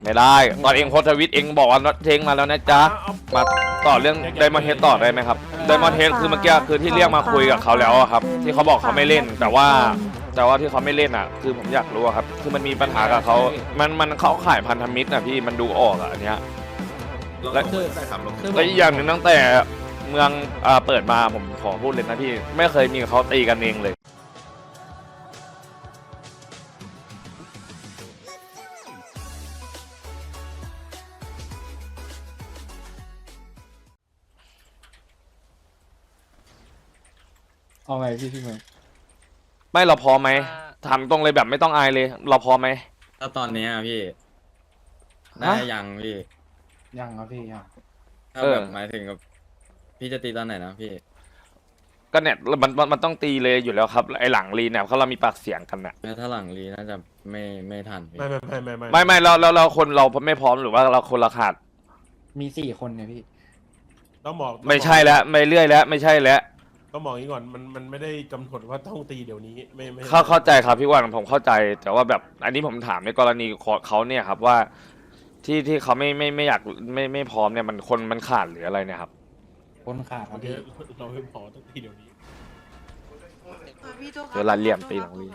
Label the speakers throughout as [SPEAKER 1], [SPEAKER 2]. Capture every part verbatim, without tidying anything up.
[SPEAKER 1] ไม่ได้ตอนเองโพสต์ทวิตเองบอกว่าเทงมาแล้วนะจ๊ะมาต่อเรื่องไดมอนด์เฮดต่อได้ไหมครับไดมอนด์เฮดคือเมื่อกี้คือที่เรียกมาคุยกับเขาแล้วครับที่เขาบอกเขาไม่เล่นแต่ว่าแต่ว่าที่เขาไม่เล่นอ่ะคือผมอยากรู้ครับคือมันมีปัญหากับเขามันมันเขาขายพันธมิตรนะพี่มันดูออกอ่ะอันเนี้ยและและอีกอย่างหนึ่งตั้งแต่เมืองอ่าเปิดมาผมขอพูดเลยนะพี่ไม่เคยมีเขาตีกันเองเลย
[SPEAKER 2] เอาไงพี่พี่เมย์
[SPEAKER 1] ไม่เราพอไหมถามตรงเลยแบบไม่ต้องอายเลยเราพอไหม
[SPEAKER 3] ถ้าตอนนี้อะพี่ได้ยังพี่
[SPEAKER 2] ยังครับพี่ยัง
[SPEAKER 3] ถ้าแบบหมายถึงกับพี่จะตีตอนไหนนะพี่
[SPEAKER 1] ก็เนี่ยมันมันมันต้องตีเลยอยู่แล้วครับไอหลังรีเนี่ยเขาเรามีปากเสียงกันน่ะ
[SPEAKER 3] แม้ถ้าหลังรีน่าจะไม่ไม่ทันพี่
[SPEAKER 4] ไม่ไม่ไม่ไม่ไม่
[SPEAKER 1] ไม่ไม่เราเราเราคนเราไม่พร้อมหรือว่าเราคนละขาด
[SPEAKER 2] มีสี่คนเนี่ยพี่
[SPEAKER 4] ต้องบอก
[SPEAKER 1] ไม่ใช่แล้วไม่เรื่อยแล้วไม่ใช่แล้ว
[SPEAKER 4] ต้องบอกอย่างนี้ก่อนมันมันไม่ได้กำหนดว่าต้องตีเดี๋ยวนี้ไม่ไม่
[SPEAKER 1] เข้าเข้าใจครับพี่วันผมเข้าใจ แต่ว่าแบบอันนี้ผมถามในกรณีของเขาเนี่ยครับว่า ที่ที่เขาไม่ไม่ไม่อยากไม่ไม่พร้อมเนี่ยมันคนมันขาดหรืออะไรเนี่ยครับ
[SPEAKER 2] คนขาดครับ
[SPEAKER 4] เดี๋
[SPEAKER 2] พี่
[SPEAKER 4] ยวเราไม่พอต้องตีเดี๋ยวนี้
[SPEAKER 1] เวลาเลี่ยมตีหลังรี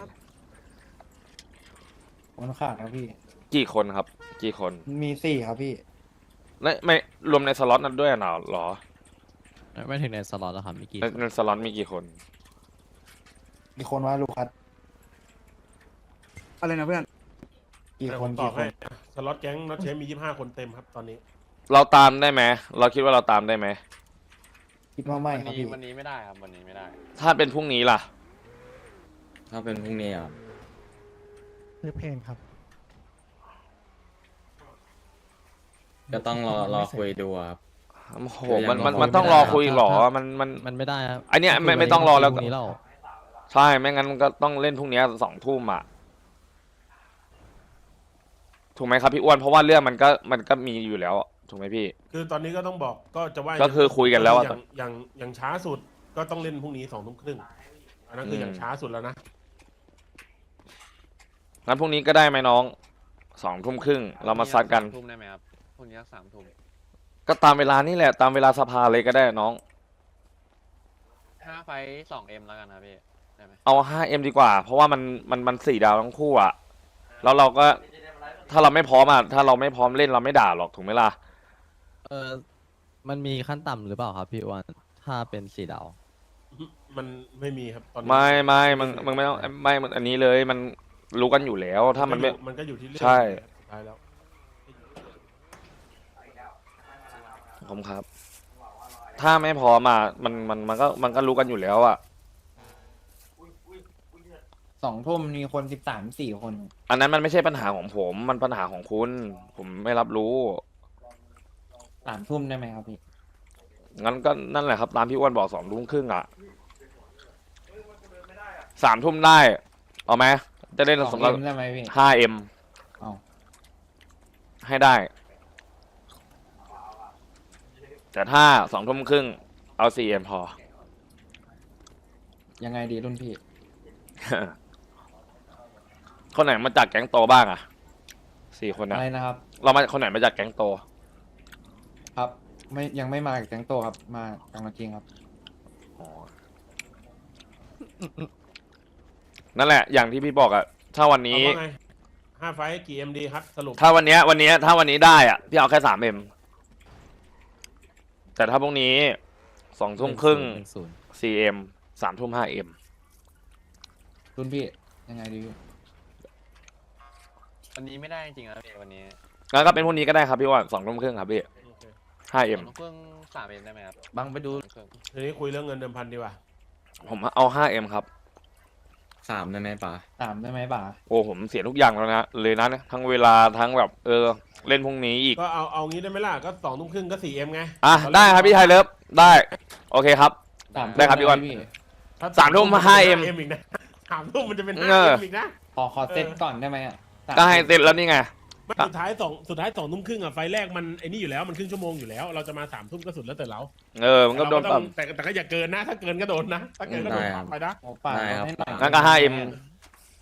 [SPEAKER 2] คนขาดครับพี่
[SPEAKER 1] กี่คนครับ กี่คน
[SPEAKER 2] มีสี่ครับพี่
[SPEAKER 1] และไม่รวมในสล็อตนั้นด้วยเหรอหรอ
[SPEAKER 5] ไม่ถึงในสล็อตแล้วครับมีกี่
[SPEAKER 1] ในในสล็อตมีกี่คน
[SPEAKER 2] มีคนว่าลูกคัด
[SPEAKER 6] อะไรนะเพื่อน
[SPEAKER 2] กี่
[SPEAKER 4] แต่
[SPEAKER 2] ค
[SPEAKER 4] ผ
[SPEAKER 2] น
[SPEAKER 4] มตอ
[SPEAKER 2] กี่
[SPEAKER 4] บ
[SPEAKER 2] ค
[SPEAKER 4] ให้
[SPEAKER 2] น
[SPEAKER 4] สล็อตแก๊งน็อตเชฟมียี่สิบห้าคนเต็มครับตอนนี้
[SPEAKER 1] เราตามได้ไหมเราคิดว่าเราตามได้ไหม
[SPEAKER 2] คิดว่าไม่
[SPEAKER 5] วัน
[SPEAKER 2] ครับ
[SPEAKER 5] นี้
[SPEAKER 2] พี่
[SPEAKER 5] วันนี้ไม่ได้ครับวันนี้ไม่ได้
[SPEAKER 1] ถ้าเป็นพรุ่งนี้ล่ะ
[SPEAKER 3] ถ้าเป็นพรุ่งนี้อ่ะ
[SPEAKER 6] ซื้อเพลงครับ
[SPEAKER 3] ก็ต้องรอรอคุยดูอะครับ
[SPEAKER 1] โอ้โหมันมันมันต้องรอคุยหรอมันมัน
[SPEAKER 5] มันไม่ได้ครับ
[SPEAKER 1] อันเนี้ยไม่ไม่ต้องรอแล้ว
[SPEAKER 5] พรุ่งนี้เรา
[SPEAKER 1] ใช่ไม่งั้นก็ต้องเล่นพรุ่งนี้สองทุ่มอ่ะถูกไหมครับพี่อ้วนเพราะว่าเรื่องมันก็มันก็มีอยู่แล้วถูกไหมพี่
[SPEAKER 4] คือตอนนี้ก็ต้องบอกก็จะว่า
[SPEAKER 1] ก็คือคุยกันแล้วอะ
[SPEAKER 4] อย่างอย่างอย่างช้าสุดก็ต้องเล่นพรุ่งนี้สองทุ่มครึ่งอันนั้นคืออย่างช้าสุดแล้วนะ
[SPEAKER 1] งั้นพรุ่งนี้ก็ได้ไหมน้องสองทุ่มครึ่งเรามาซัดกัน
[SPEAKER 5] ทุ่มได้ไหมครับพรุ่งนี้สามทุ่ม
[SPEAKER 1] ก็ตามเวลานี่แหละตามเวลาสภาเลยก็ได้น้อง
[SPEAKER 5] ห้าไฟสองเอ็มแล้วกันครับพี่ได้ไหม
[SPEAKER 1] เอา ห้าเอ็ม ดีกว่า เพราะว่ามันมันมันสี่ดาวทั้งคู่อ่ะแล้วเราก็ถ้าเราไม่พร้อมอ่ะถ้าเราไม่พร้อมเล่นเราไม่ด่าหรอกถูกไหมล่ะ
[SPEAKER 5] เออมันมีขั้นต่ำหรือเปล่าครับพี่อ้วันถ้าเป็นสี่ดาว
[SPEAKER 4] มันไม่มีครับตอนนี้
[SPEAKER 1] ไม่ไม่มึงมึงไม่ต้องไม่มึงอันนี้เลยมันรู้กันอยู่แล้วถ้ามันไม่
[SPEAKER 4] มันก็อยู่ที่เรื่อง
[SPEAKER 1] ใช่
[SPEAKER 4] สุดท้ายแล้ว
[SPEAKER 1] ผมครับ ถ้าไม่พร้อมอ่ะมันมันมันก็มันก็รู้กันอยู่แล้วอ่ะ
[SPEAKER 2] สองทุ่มมีคนสิบสามสี่คน
[SPEAKER 1] อันนั้นมันไม่ใช่ปัญหาของผม มันปัญหาของคุณ ผมไม่รับรู้
[SPEAKER 2] สามทุ่มได้ไหมครับพี่
[SPEAKER 1] งั้นก็นั่นแหละครับ ตามพี่อ้วนบอกสองทุ่มครึ่งอ่ะสามทุ่มได้ เอาไหมจะเล่น
[SPEAKER 2] สอง
[SPEAKER 1] สำหรับ
[SPEAKER 2] เอ็มได้ไหมพี่
[SPEAKER 1] ห้าเอ็ม
[SPEAKER 2] เอา
[SPEAKER 1] ให้ได้ แต่ถ้าสองทุ่มครึ่งเอาสี่เอ็มพอ
[SPEAKER 2] ยังไงดีรุ่นพี่
[SPEAKER 1] คนไหนมาจากแก๊งโตบ้างอ่ะสี่คนนะ
[SPEAKER 2] อะไรนะครับ
[SPEAKER 1] เรามาคนไหนมาจากแก๊งโต
[SPEAKER 2] ครับ ไม่ยังไม่มาจากแก๊งโตครับ มาจังหวัดจริงครับ
[SPEAKER 1] นั่นแหละ อย่างที่พี่บอกอะถ้าวันนี้
[SPEAKER 4] เอาว่าไงห้าไฟท์กี่เอ็มดีครับสรุป
[SPEAKER 1] ถ้าวันเนี้ยวันเนี้ยถ้าวันนี้ได้อะพี่เอาแค่สามเอ็มแต่ถ้าพรุ่งนี้สองทุ่มครึ่ง
[SPEAKER 5] หนึ่งศูนย์
[SPEAKER 1] สี่เอ็มสามทุ่มห้าเอ็ม
[SPEAKER 2] รุ่นพี่ยังไงดีพี่
[SPEAKER 5] วันนี้ไม่ได้จริงๆครับพี่วันนี้
[SPEAKER 1] งั้นก็เป็นพรุ่งนี้ก็ได้ครับพี่ว่าสองทุ่มครึ่งครับพี่
[SPEAKER 4] โอเค
[SPEAKER 1] ห้าเอ็ม
[SPEAKER 5] สองทุ่มสามเอ็มได้ไหมครับ
[SPEAKER 2] บังไปดู
[SPEAKER 5] สองทุ่ม
[SPEAKER 4] ทีนี้คุยเรื่องเงินเดิมพันดีกว่า
[SPEAKER 1] ผมเอาห้าเอ็มครับ
[SPEAKER 3] สามได้ไหมป๋า
[SPEAKER 2] สามได้ไหมบ่า
[SPEAKER 1] โอ้ผมเสียทุกอย่างแล้วนะเลยนะทั้งเวลาทั้งแบบเออเล่นพรุ่งนี้อีก
[SPEAKER 4] ก็เอาเอางี้ได้ไหมล่ะก็สองทุ่มครึ่งก็สี่เอ็มไง
[SPEAKER 1] อ่ะได้ครับพี่ไทยเลิฟได้โอเคครับ
[SPEAKER 2] สาม
[SPEAKER 1] ได้ครับพี่อ้วน
[SPEAKER 2] พี่
[SPEAKER 4] ถ้
[SPEAKER 1] สามทุ่ม ห้าเอ็ม
[SPEAKER 4] อีกนะสามทุ่มมันจะเป็น
[SPEAKER 1] เอ
[SPEAKER 4] ห้า
[SPEAKER 1] อ
[SPEAKER 4] เอ็มอีกนะ
[SPEAKER 2] ขอขอเซตก่อนได้ไหมอ่ะสาม
[SPEAKER 1] ก็ให้เสร็จแล้วนี่ไง
[SPEAKER 4] ไม่สุดท้ายสองสุดท้ายสองทุ่มครึ่งอ่ะไฟแรกมันไอ้นี่อยู่แล้วมันครึ่งชั่วโมงอยู่แล้ว เราจะมาสามทุ่มก็สุดแล้วแต่เรา
[SPEAKER 1] เออมันก็โดน
[SPEAKER 4] เรา
[SPEAKER 1] ปรับ
[SPEAKER 4] ต้องแต่แต่ก็อย่าเกินนะ ถ้าเกินก็โดนนะถ้าเกินก็โดนปรับไปนะ
[SPEAKER 2] โอ้ป่าให้หน่อย
[SPEAKER 1] งั้นก็ห้าเอ็ม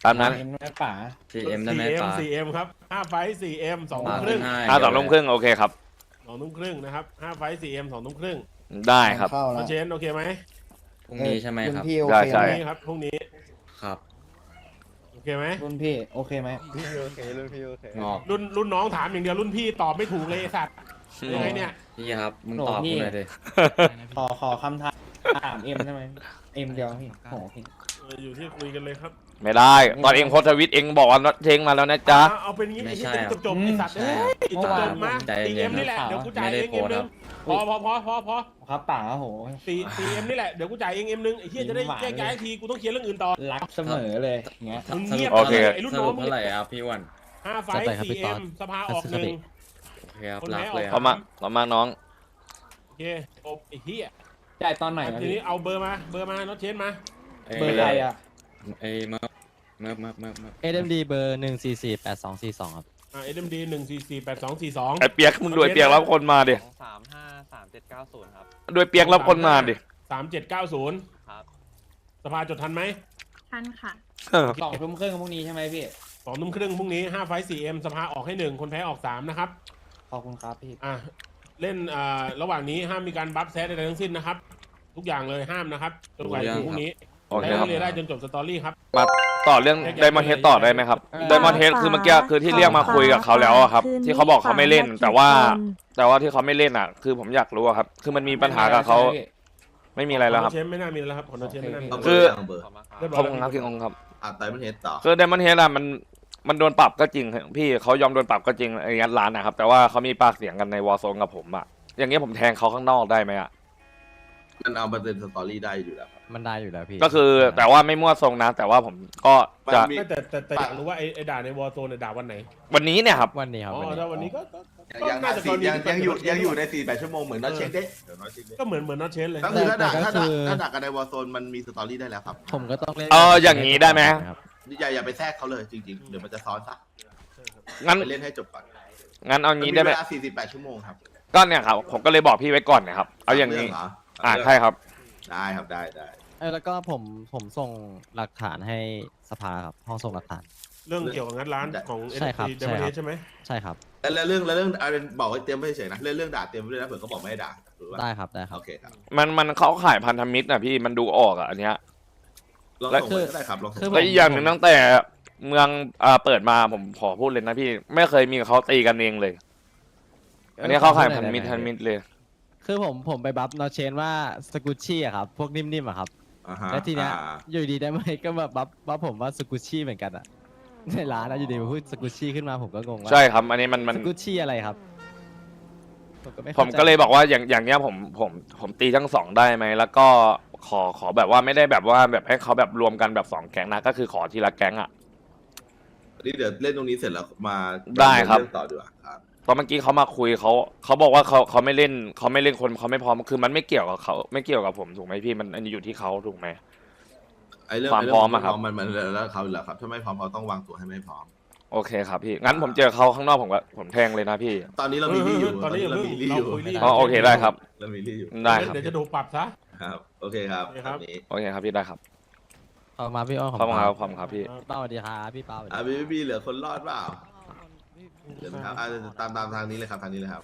[SPEAKER 1] ตามนั้น
[SPEAKER 2] เอ็มแม่ป๋า
[SPEAKER 3] ซีเอ็มได้ไหม
[SPEAKER 4] สี่เอ็ม
[SPEAKER 3] ป๋า
[SPEAKER 4] สี่เอ็มครับห้าไฟสี่เอ็มสอง
[SPEAKER 3] ป๋า
[SPEAKER 4] ทุ่มครึ่ง
[SPEAKER 3] ให้
[SPEAKER 1] อ่าสองทุ่มครึ่งโอเคครับ
[SPEAKER 4] สองทุ่มครึ่งนะครับห้าไฟสี่เอ็มสองทุ่มครึ่ง
[SPEAKER 1] ได้ครับ
[SPEAKER 2] เข้า
[SPEAKER 4] โอ
[SPEAKER 2] แล้ว
[SPEAKER 4] เชนโอเคไหม
[SPEAKER 3] พรุ่งนี้ใช่ไหมครับ
[SPEAKER 2] รุ่นพี่โอ
[SPEAKER 1] ได้
[SPEAKER 2] เค
[SPEAKER 1] ใช่
[SPEAKER 2] ไห
[SPEAKER 4] พ
[SPEAKER 2] ม
[SPEAKER 4] รุ่งนี้ครับพรุ่งนี้
[SPEAKER 3] ครับ
[SPEAKER 4] โอเคไหม
[SPEAKER 2] รุ่นพี่โอเคไหม
[SPEAKER 3] งอก
[SPEAKER 4] รุ่นรุ่นน้องถามอย่างเดียวรุ่นพี่ตอบไม่ถูกเลยไอ้สัตว์ยังไงเนี่ย
[SPEAKER 3] พี่ครับ มึงตอบกูหน่อยดิ
[SPEAKER 2] ขอขอคำถามถามเอ็มได้ไหมเอ็มเดียวพี่โอ้โหพี่
[SPEAKER 4] เอออยู่ที่คุยกันเลยครับ
[SPEAKER 1] ไม่ได้ตอนเองโพสต์ทวิตเองบอกว่าเทงมาแล้วนะจ๊ะ
[SPEAKER 4] เอาเอาเป็นอย่างงี้ไอ้ที่จบจบๆไอ้สัตว์เอ้ยจบจบๆมา
[SPEAKER 3] ใจ
[SPEAKER 4] สี่
[SPEAKER 3] เย็
[SPEAKER 4] เอ็
[SPEAKER 3] น
[SPEAKER 4] ม
[SPEAKER 3] ๆ
[SPEAKER 4] นี่แหละ
[SPEAKER 2] ครับ
[SPEAKER 4] เดี๋ยวกูจ่าย
[SPEAKER 3] ไม่ได้
[SPEAKER 4] เองเอ็มนึง
[SPEAKER 3] โพ
[SPEAKER 4] พ
[SPEAKER 3] ส
[SPEAKER 4] อ
[SPEAKER 3] ต์
[SPEAKER 4] พอพอพอพอ
[SPEAKER 2] ครับป๋าโอ้โห
[SPEAKER 4] สี่สี่เอ็มนี่แหละเดี๋ยวกูจ่ายเองเอ็มนึงไอ้เหี้ยจะได้
[SPEAKER 2] หวาน
[SPEAKER 4] แยกย้ายทีกูต้องเคลียร์เรื่องอื่นต่อ
[SPEAKER 2] รักเสมอเลยอย่างเงี้ย
[SPEAKER 4] มึง
[SPEAKER 3] ส
[SPEAKER 4] เงี
[SPEAKER 3] รุ
[SPEAKER 4] ย
[SPEAKER 3] ป
[SPEAKER 4] บ
[SPEAKER 1] โอเค
[SPEAKER 4] ไอ้รุ่น
[SPEAKER 3] ส
[SPEAKER 4] น้อ
[SPEAKER 3] รุ
[SPEAKER 4] ง
[SPEAKER 3] ป
[SPEAKER 4] มึง
[SPEAKER 3] เท่าไหร่ครับพี่อ้วัน
[SPEAKER 4] ห้าไฟ
[SPEAKER 5] จัดไปครับ
[SPEAKER 4] สี่
[SPEAKER 5] พี่ต๊
[SPEAKER 4] เอ็
[SPEAKER 5] อด
[SPEAKER 4] มสภาออก
[SPEAKER 5] ทัศ
[SPEAKER 4] ห
[SPEAKER 5] น
[SPEAKER 4] นึ่
[SPEAKER 5] คติ
[SPEAKER 4] ง
[SPEAKER 3] โอเคครับ
[SPEAKER 4] คน
[SPEAKER 3] รั
[SPEAKER 4] ไหน
[SPEAKER 3] ก
[SPEAKER 4] ออก
[SPEAKER 3] เลยค
[SPEAKER 1] ต่
[SPEAKER 3] รั
[SPEAKER 1] อบ มาต่อมาน้อง
[SPEAKER 4] โอเคจบไอ้เหี้ย
[SPEAKER 2] จ่ายตอนไหนนะ
[SPEAKER 4] ที
[SPEAKER 2] พี่
[SPEAKER 4] นี้เอาเบอร์มาเบอร์มาน็อตเชนมา
[SPEAKER 2] เบอร์ใครอ่ะ
[SPEAKER 3] เอ้ยเมิร์ฟเมิร์ฟเมิร์ฟเมิร์ฟเมิร์ฟ
[SPEAKER 5] เอ เอ็ม ดี เบอร์หนึ่งสี่สี่แปดสองสี่สองครับ
[SPEAKER 4] อ่าเอ็มดีหนึ่งสี่สี่แปดสองสี่สอง
[SPEAKER 1] ไอเปียกมึงด้วยเปียกรับคนมาดิ
[SPEAKER 5] สามห้าสามเจ็ดเก้าศูนย์ครับ
[SPEAKER 1] ด้วยเปียกรับคนมาดิ
[SPEAKER 4] สามเจ็ดเก้าศูนย์
[SPEAKER 5] ครับ
[SPEAKER 4] สภาจดทันไหม
[SPEAKER 7] ทันค่ะ
[SPEAKER 2] สองทุ่มครึ่งพรุ่งนี้ใช่ไหมพี่
[SPEAKER 4] สองทุ่มครึ่งพรุ่งนี้ห้าไฟสี่เอ็มสภาออกให้หนึ่งคนแพ้ออกสามนะครับ
[SPEAKER 2] ขอบคุณครับพี่
[SPEAKER 4] อ่ะเล่นอ่าระหว่างนี้ห้ามมีการบัฟแซดใดๆทั้งสิ้นนะครับ ทุกอย่างเลยห้ามนะครับจนกว่าจะถึงพรุ่งนี้
[SPEAKER 1] โอเค
[SPEAKER 4] ใช้
[SPEAKER 1] ครับ
[SPEAKER 4] เรียนได้จนจบสตอรี่ครับ
[SPEAKER 1] มาต่อเรื่องไดมอนเฮดต่อได้ไหมครับไดมอนเฮดคือเมื่อกี้คือที่เรียกมาคุยกับเขาแล้วอะครับ ที่เขาบอกเขาไม่เล่น แต่ว่า แต่ว่าที่เขาไม่เล่นอ่ะ คือผมอยากรู้อะครับ คือมันมีปัญหากับเขาไม่มีอะไรแล้วครับ
[SPEAKER 4] เชมไม่น่ามีแล้วครับผลเชมไม่น่ามี
[SPEAKER 2] โอเค
[SPEAKER 1] คือ
[SPEAKER 8] เบอร์
[SPEAKER 4] เรียบร้
[SPEAKER 1] ข
[SPEAKER 4] อ
[SPEAKER 1] อย บ
[SPEAKER 4] แล้ว
[SPEAKER 1] คุณครับพี่องค์ครับ
[SPEAKER 8] อ่ะไตมันเฮดต่อ
[SPEAKER 1] คือไดมอนเฮดอะมันมันโดนปรับก็จริงพี่เขายอมโดนปรับก็จริงไอ้งัดร้านนะครับ แต่ว่าเขามีปากเสียงกันในวอร์โซนกับผมอะอย่างเงี้ยผมแทงเขาข้างนอกได้ไหมอะ
[SPEAKER 8] มันเอามาเป็นสตอรี่ได้อยู่แล้วครับ
[SPEAKER 5] มันได้อยู่แล้วพี่
[SPEAKER 1] ก็คือแต่ว่าไม่มั่วทรงนะ แต่ว่าผมก็จะ
[SPEAKER 8] มันมี
[SPEAKER 4] ไม่แต่แต่แต่อยากรู้ว่าไอ้ไอ้ด่าในวอร์โซนเนี่ยด่าวันไหน
[SPEAKER 1] วันนี้เนี่ยครับ
[SPEAKER 5] วันนี้ครับ
[SPEAKER 4] อ๋อ
[SPEAKER 5] วันนี้
[SPEAKER 4] ถ้าวันนี้ก็ก็ก็
[SPEAKER 8] ยัง
[SPEAKER 4] น่าจะกรณี
[SPEAKER 8] ยังยังอยู่
[SPEAKER 4] ที่
[SPEAKER 8] ยังอยู่ในสี่แปดชั่วโมงเหมือนน็อตเช็คเด้เดี๋ยวน็อตเช็คเด้
[SPEAKER 4] ก็เหมือนเหมือนน็อตเชนเลย
[SPEAKER 8] ก็คือถ้าด่าถ้าด่าถ้าด่ากันในวอร์โซนมันมีสตอรี่ได้แล้วครับ
[SPEAKER 5] ผมก็ต้องเล่น
[SPEAKER 1] เอออย่างนี้ได้ไหม
[SPEAKER 5] ครับ
[SPEAKER 8] อย่าอย่าไปแทรกเขาเลยจริงๆ เดี๋ยวมันจะซ้อนซะ
[SPEAKER 1] งั้น
[SPEAKER 8] ไปเล่นให้จบก่อน
[SPEAKER 1] งั้นเอา
[SPEAKER 8] มัน
[SPEAKER 1] งี้
[SPEAKER 8] มี
[SPEAKER 1] ได้ไหม
[SPEAKER 8] เวลาสี่สิบแปดชั่วโมงครับ
[SPEAKER 1] ก็เนี่ยครับผมก็เลยบอกพี่ไว้ก่อนนะครับเอาอย่างนี้
[SPEAKER 8] นี้เหรอ
[SPEAKER 1] อ่าใช่ครับ
[SPEAKER 8] ได้ครับได้ได้
[SPEAKER 5] เออแล้วก็ผมผมส่งหลักฐานให้สภาครับห้องส่งหลักฐาน
[SPEAKER 4] เรื่องเกี่ยวกับงัดร้านของ
[SPEAKER 5] ใช่ครับ
[SPEAKER 4] เดมอน
[SPEAKER 5] ใช่ครับ
[SPEAKER 4] ใช่ไหม
[SPEAKER 5] ใช่ครับ
[SPEAKER 8] แล้วเรื่องแล้วเรื่องเอาเป็นบอกไว้เตรียมไว้เฉยๆนะเรื่องเรื่องด่าเตรียมไว้ด้วยนะเผื่อเขาบอกไม่ให้ด่าหรือว่า
[SPEAKER 5] ได้ครับได้ครับ
[SPEAKER 8] โอเคครับ
[SPEAKER 1] มันมันเขาขายพันธมิตรนะพี่มันดูออกอ่ะอันเนี้ย
[SPEAKER 8] ลอง
[SPEAKER 1] แล้ว
[SPEAKER 8] ส่งไปก็ได้ครับลองส่ง
[SPEAKER 5] คือ
[SPEAKER 8] ไป
[SPEAKER 1] แล้วอีกอย่างหนึ่งตั้งแต่เมืองอ่าเปิดมาผมขอพูดเลยนะพี่ไม่เคยมีเขาตีกันเองเลย อันนี้เขาขายพันธมิตรพันธมิตรเลย
[SPEAKER 5] คือผมผมไปบัฟนอเชนว่าสกุชชี่อะครับพวกนิ่มๆอะครับ
[SPEAKER 8] อ่าฮะ
[SPEAKER 5] แล้วทีเนี้ย
[SPEAKER 8] อ่า
[SPEAKER 5] อยู่ดีได้ไหมก็แบบบัฟบัฟผมว่าสกุชชี่เหมือนกันอะในร้านนะอยู่ดีมาพูดสกุชชี่ขึ้นมาผมก็งงว่า
[SPEAKER 1] ใช่ครับ อันนี้มันมัน
[SPEAKER 5] สกุชชี่อะไรครับผมก็ไม่
[SPEAKER 1] ผม
[SPEAKER 5] ข้าใจ
[SPEAKER 1] ก็เลยบอกว่าอย่างอย่างเนี้ยผมผมผมตีทั้งสองได้ไหมแล้วก็ขอขอแบบว่าไม่ได้แบบว่าแบบให้เขาแบบรวมกันแบบสองแก๊งนะก็คือขอทีละแก๊งอ่ะ
[SPEAKER 8] นี่เดี๋ยวเล่นตรงนี้เสร็จแล้วมา
[SPEAKER 1] ได้ครับ
[SPEAKER 8] เรื่องต่อดีกว่าครับ
[SPEAKER 1] เพราะเมื่อกี้เขามาคุยเขาเขาบอกว่าเขาเขาไม่เล่นเขาไม่เล่นคนเขาไม่พร้อมคือมันไม่เกี่ยวกับเขาไม่เกี่ยวกับผมถูกไหมพี่มันอันนี้อยู่ที่เขาถูกไหม
[SPEAKER 8] ไอ้เรื่อง
[SPEAKER 1] ความ
[SPEAKER 8] ไเง
[SPEAKER 1] พร้อมอะครับ
[SPEAKER 8] มันมันแล้วเขาแหละครับถ้าไม่พร้อมเขาต้องวางตัวให้ไม่พร้อม
[SPEAKER 1] โอเคครับพี่งั้นผมเจอเขาข้างนอกผมก็ผมแทงเลยนะพี่
[SPEAKER 8] ตอนนี้เรามีลี่อยู่
[SPEAKER 4] ตอนนี้อย่า
[SPEAKER 8] เรา
[SPEAKER 4] เพิ่ง
[SPEAKER 8] มีลี่
[SPEAKER 4] เรา
[SPEAKER 8] อยู่
[SPEAKER 4] คุยลี่
[SPEAKER 1] อ๋อโอเคได้ครับ
[SPEAKER 8] เรามีลี่อยู่
[SPEAKER 1] ได้ครับ
[SPEAKER 4] เดี๋ยวจะโดนปรับซะ
[SPEAKER 8] ครับโอเคครับ
[SPEAKER 4] โอเคครับ
[SPEAKER 8] ตอนนี้
[SPEAKER 1] โอเคครับพี่ได้ครับ
[SPEAKER 5] ขอบคุณครับพี่อ้อ
[SPEAKER 1] ขอบคุณครับขอบคุณครับพี่
[SPEAKER 5] เป้าสวัสดีครับพี่เป้าสวัสดีค
[SPEAKER 8] อ่ะ
[SPEAKER 5] รับ
[SPEAKER 8] บีบีเหลือคนรอดเปล่าเดี๋ยวนะครับอ่ะตามตามทางนี้เลยครับทางนี้เลยครับ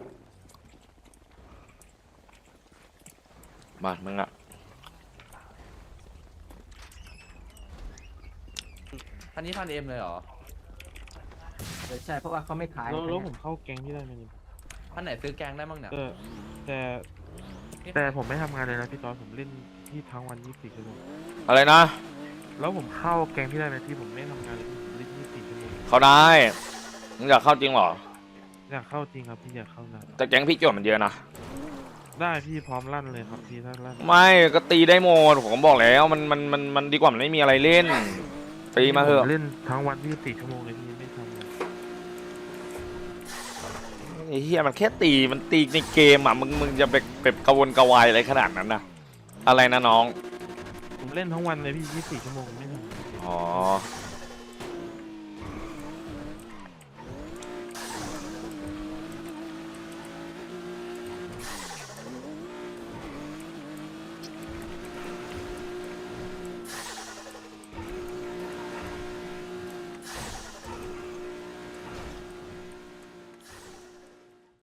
[SPEAKER 1] มามึงอ่ะ
[SPEAKER 9] พันนี้พันเอ็มเลยเหรอ
[SPEAKER 6] ใช่เพราะว่าเขาไม่ขาย
[SPEAKER 10] แล้วแล้วผมเข้าแก๊งที่ได้ไหมเนี่ย
[SPEAKER 9] พันไหนซื้อแกงได้บ้างเนี่ย
[SPEAKER 10] เออแต่แต่ผมไม่ทำงานเลยนะพี่ตอนผมเล่นที่ทั้งวันยี่สิบสี่ชั่วโมง
[SPEAKER 1] อะไรนะ
[SPEAKER 10] แล้วผมเข้าแก๊งที่ได้ไหมพี่ผมไม่ทำงานเลยผมเล่นยี่สิบสี่ชั่วโมง
[SPEAKER 1] เขาได้มึงอยากเข้าจริงเหรอ
[SPEAKER 10] อยากเข้าจริงครับพี่อยากเข้านะ
[SPEAKER 1] แต่แก๊งพี่โจทย์มันเยอะนะ
[SPEAKER 10] ได้พี่พร้อมลั่นเลยครับพี่ถ้าลั่น
[SPEAKER 1] ไม่ก็ตีได้หมดผมบอกแล้วมันมันมันมันดีกว่ามันไม่มีอะไรเล่นตีมาเถ
[SPEAKER 10] ผ
[SPEAKER 1] อะ
[SPEAKER 10] เล่นทั้งวันยี่สิบสี่ชั่วโมงเลยพี่ไม่ทำเลย
[SPEAKER 1] ไอ้เหี้ยมันแค่ตีมันตีในเกมอ่ะมึงมึงจะไปแบบกระวนกระวายอะไรขนาดนั้นนะอะไรนะน้อง
[SPEAKER 10] ผมเล่นทั้งวันเลยพี่ยี่สิบสี่ชั่วโมงไม่ทำ
[SPEAKER 1] อ๋อ